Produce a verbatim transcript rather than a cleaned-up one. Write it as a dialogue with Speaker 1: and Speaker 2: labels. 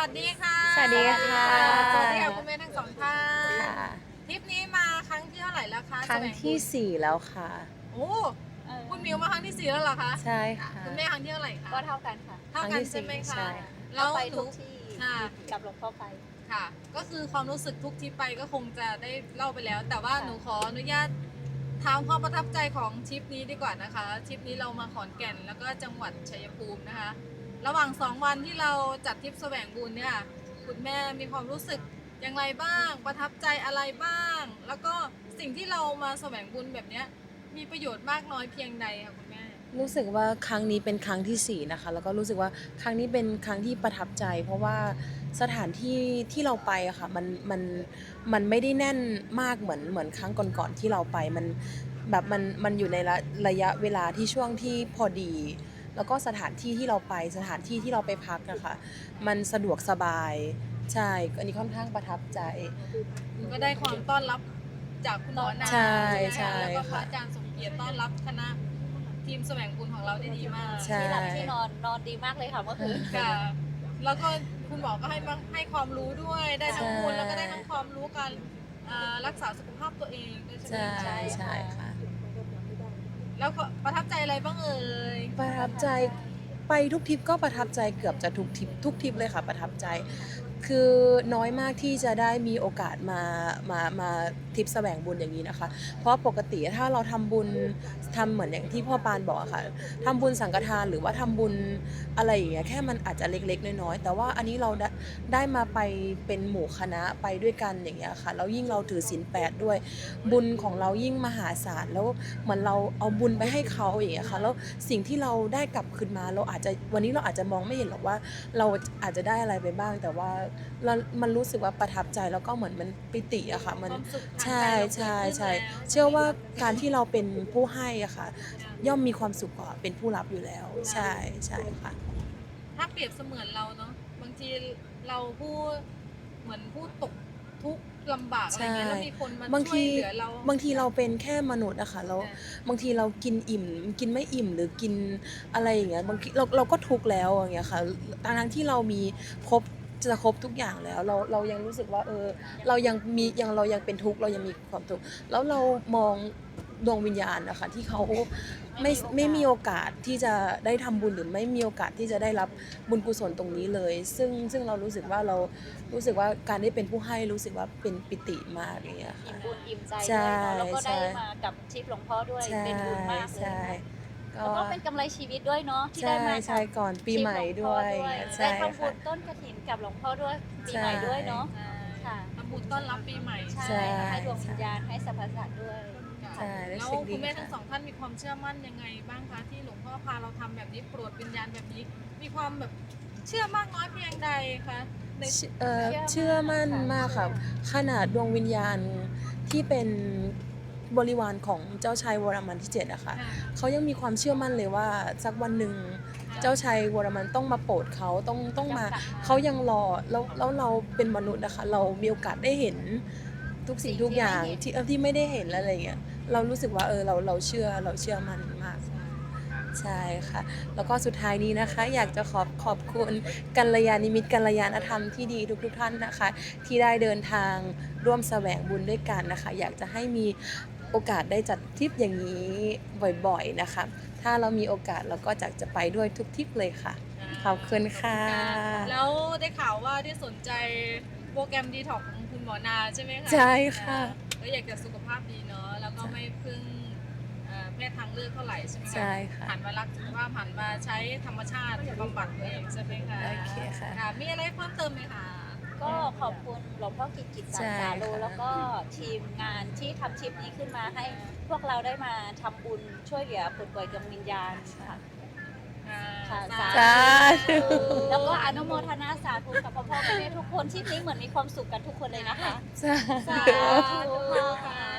Speaker 1: วัสดีค่ะ
Speaker 2: สวัสดีค่ะ
Speaker 1: สวัสดีค่ะคุณแม่ทั้งสองท่าน
Speaker 2: ค่ะ
Speaker 1: ทริปนี้มาครั้งที่เท่าไหร่แล้วคะ
Speaker 2: ครั้งที่สี่แล้วค่ะ
Speaker 1: โอ้คุณมิวมาครั้งที่สี่แล้วเหรอคะ
Speaker 2: ใช่ค่ะ
Speaker 1: คุณแม่ครั้งที่เท่าไหร่คะ
Speaker 3: ก็เท่ากันค่ะ
Speaker 1: เท่ากันใช่ไหมคะ
Speaker 2: ใช่ค่ะ
Speaker 1: แล้ว
Speaker 3: ไป
Speaker 1: หนู
Speaker 3: ทุกที่
Speaker 1: ค่ะ
Speaker 3: กับหลวงพ่อไป
Speaker 1: ค่ะ ก็คือความรู้สึกทุกทริปไปก็คงจะได้เล่าไปแล้ว แต่ว่า
Speaker 3: ค่ะ
Speaker 1: หนูขออนุญาตถามความประทับใจของทริปนี้ดีกว่านะคะทริปนี้เรามาขอนแก่นแล้วก็จังหวัดชัยภูมินะคะ ระหว่างสองวันที่เราจัดทริปแสวงบุญเนี่ยคุณแม่มีความรู้สึกอย่างไรบ้าง ประทับใจอะไรบ้าง แล้วก็สิ่งที่เรามาแสวงบุญแบบเนี้ยมีประโยชน์มากน้อยเพียงใดคะคุณแม่
Speaker 2: รู้สึกว่าครั้งนี้เป็นครั้งที่สี่นะคะ แล้วก็รู้สึกว่าครั้งนี้เป็นครั้งที่ประทับใจ เพราะว่าสถานที่ที่เราไปอะค่ะมันมันมันไม่ได้แน่นมากเหมือนเหมือนครั้งก่อนๆที่เราไปมันแบบมันมันอยู่ในระระยะเวลาที่ช่วงที่พอดี แล้วก็สถานที่ที่เราไปสถานที่ที่เราไปพักอะค่ะมันสะดวกสบายใช่อันนี้ค่อนข้างประทับใจ
Speaker 1: ก็ได้ความต้อนรับจากคุณหมอนา
Speaker 2: ใช่
Speaker 1: ไหม
Speaker 2: ใช่
Speaker 1: คะแล้วก็พระ
Speaker 2: ค่ะ
Speaker 1: อาจารย์สมเกียรติต้อนรับคณะทีมแสวงบุญของเราได้ดีมาก
Speaker 2: ใช่
Speaker 3: ที่หลับที่นอนนอนดีมากเลยค่ะเมื่อคืน
Speaker 1: ค่ะ แล้วก็คุณหมอก็ให้มาให้ความรู้ด้วย ได้ทั้งบุญ
Speaker 2: ใช่
Speaker 1: แล้วก็ได้ทั้งความรู้การอ่ารักษาสุขภาพตัวเองด้วยใช่ไหม
Speaker 2: ใช่
Speaker 1: คะ
Speaker 2: ใช่ค่ะ
Speaker 1: แล้วก็ประทับใจอะไรบ้างเอ่ย
Speaker 2: ประทับใจไปทุกทริปก็ประทับใจเกือบจะทุกทริปทุกทริปเลยค่ะประทับใจ คือน้อยมากที่จะได้มีโอกาสมามามาทริปแสวงบุญอย่างนี้นะคะ เพราะปกติถ้าเราทำบุญทำเหมือนอย่างที่พ่อปานบอกอะค่ะทำบุญสังฆทานหรือว่าทำบุญอะไรอย่างเงี้ยแค่มันอาจจะเล็กๆน้อยๆแต่ว่าอันนี้เราได้ได้มาไปเป็นหมู่คณะไปด้วยกันอย่างเงี้ยค่ะแล้วยิ่งเราถือศีลแปดด้วย บุญของเรายิ่งมหาศาลแล้วเหมือนเราเอาบุญไปให้เขาอย่างเงี้ยค่ะแล้วสิ่งที่เราได้กลับคืนมาเราอาจจะวันนี้เราอาจจะมองไม่เห็นหรอกว่า เราอาจจะได้อะไรไปบ้าง แต่ว่าเรามันรู้สึกว่าประทับใจแล้วก็เหมือนมันปิติอะค่ะมัน
Speaker 1: ความสุขทาง
Speaker 2: ใช่
Speaker 1: ใจเราเกิดขึ้น
Speaker 2: ใช่ใช่
Speaker 1: แล้ว
Speaker 2: เชื่อว่าการที่เราเป็นผู้ให้อะค่ะ ย่อมมีความสุขกว่าเป็นผู้รับอยู่แล้ว ใช่ใช่ค่ะ
Speaker 1: ถ้าเปรียบเสมือนเราเนาะบางทีเราผู้เหมือนผู้ตกทุกข์ลำบากอะไรเงี้ย
Speaker 2: ใช่
Speaker 1: แล้วมีคนมา
Speaker 2: บาง
Speaker 1: ช่วย
Speaker 2: ที
Speaker 1: เหลือเรา
Speaker 2: บางทีเราเป็นแค่มนุษย์อะค่ะแล้ว
Speaker 1: ใช่
Speaker 2: บางทีเรากินอิ่มกินไม่อิ่มหรือกินอะไรอย่างเงี้ยบางทีเราเราก็ทุกข์แล้วอย่างเงี้ยค่ะทั้งทั้งที่เรามีครบจะครบทุกอย่างแล้ว เราเรายังรู้สึกว่าเออเรายังมียังเรายังเป็นทุกข์เรายังมีความทุกข์แล้วเรามองดวงวิญญาณนะคะที่เขาไม่ไม่มีโอกาสที่จะได้ทำบุญหรือไม่มีโอกาสที่จะได้รับบุญกุศลตรงนี้เลย ซึ่งซึ่งเรารู้สึกว่าเรารู้สึกว่าการได้เป็นผู้ให้รู้สึกว่าเป็นปิติมากอย่างเงี้ย
Speaker 3: อิ่
Speaker 2: ค่ะ
Speaker 3: มบุญอิ่มใจ
Speaker 2: ใช่
Speaker 3: ด้วยเนาะแล้วก็ได้
Speaker 2: ใช่
Speaker 3: มากับทริปหลวงพ่อด้วย
Speaker 2: ใช่
Speaker 3: เป็นบุญมากเลย
Speaker 2: ใช่
Speaker 3: แล้วก็เป็นกำไรชีวิตด้วยเนาะที่
Speaker 2: ใช่
Speaker 3: ได้มา
Speaker 2: ใช่ก่อนปีใหม่ด้วย
Speaker 3: ใช่
Speaker 2: ใช่
Speaker 3: ได้ทำบุ
Speaker 2: ค่ะ
Speaker 3: ญต้นกฐินกับหลวงพ่อด้วยปี
Speaker 2: ใช่
Speaker 3: ใหม่ด้วยเนาะ
Speaker 1: ใช่
Speaker 3: ค่ะ
Speaker 1: ทำบุญต้อนรับปีใหม่
Speaker 3: ใช่
Speaker 2: ใช่
Speaker 3: ให้ดวงวิญญาณให้สรรพสัตว์ด้วย
Speaker 1: ค่ะ
Speaker 2: ใช่รู้
Speaker 1: แล้ว
Speaker 2: สึกดี
Speaker 1: คุณแม่
Speaker 2: ค่ะ
Speaker 1: ทั้งสองท่านมีความเชื่อมั่นยังไงบ้างคะที่หลวงพ่อพาเราทำแบบนี้โปรดวิญญาณแบบนี้ มีความแบบเชื่อมากน้อยเพียงใดคะใน
Speaker 2: เชื่อเอ่อ
Speaker 3: เชื่
Speaker 2: เชื่อ
Speaker 3: อมั่
Speaker 2: มั่น
Speaker 3: น
Speaker 2: มากค่ะ
Speaker 3: ค่ะ
Speaker 2: ขนาดดวงวิญญาณที่เป็นบริวารของเจ้าชายวรมันที่เจ็ดอะค่ะ
Speaker 1: ค่ะ
Speaker 2: เขายังมีความเชื่อมั่นเลยว่าสักวันหนึ่ง
Speaker 1: ค่ะ
Speaker 2: เจ้าชายวรมันต้องมาโปรดเขาต้องต้องมา
Speaker 3: ต้องกลับมา
Speaker 2: เขายังรอแล้วแล้วเราเป็นมนุษย์นะคะเรามีโอกาสได้เห็นทุกสิ่งทุกอย่างที่เอ่อที่ไม่ได้เห็นแล้วอะไรเงี้ยเรารู้สึกว่าเออเราเราเชื่อเราเชื่อมันมาก ใช่ค่ะ แล้วก็สุดท้ายนี้นะคะ อยากจะขอบขอบคุณกัลยาณมิตรกัลยาณธรรมที่ดีทุกๆท่านนะคะ ที่ได้เดินทางร่วมแสวงบุญด้วยกันนะคะ อยากจะให้มีโอกาสได้จัดทริปอย่างนี้บ่อยๆนะคะ ถ้าเรามีโอกาสเราก็จะจะไปด้วยทุกทริปเลยค่ะ ขอบคุณค่ะ
Speaker 1: แล้วได้ข่าวว่าได้สนใจโปรแกรมดีท็อกของคุณหมอนาใช่ไหมคะ
Speaker 2: ใช่ค่ะ
Speaker 1: ก็อยากจะสุขภาพดีเนาะแล้วก็ไม่พึ่งเอ่อแพทย์ทางเลือกเท่าไหร่ใช่ไหมคะ
Speaker 2: ใช่ค่ะ
Speaker 1: หันมารักสุขภาพหันมาใช้ธรรมชาติบำบัดตัวเองใช่ไหมคะ
Speaker 2: โอเคค่ะ
Speaker 1: ค่ะมีอะไรเพิ่มเติมไหมคะ
Speaker 3: ก็ขอบคุณหลวงพ่อกิจกิจสา
Speaker 2: ใช่
Speaker 3: รสาโล
Speaker 2: ค่ะ
Speaker 3: แล้วก็ทีมงานที่ทำทริปนี้ขึ้นมาให้พวกเราได้มาทำบุญช่วยเหลือผู้ป่วยดวงวิญญาณค่ะ ค่ะ
Speaker 1: สา
Speaker 2: สาธุ
Speaker 3: แล้วก็อนุโมทนาสาธุกับพ่อพ่อแม่ทุกคนที่นี้เหมือนมีความสุขกันทุกคนเลยนะคะ
Speaker 2: สา
Speaker 1: สา
Speaker 2: ธุ
Speaker 1: ธุค่ะ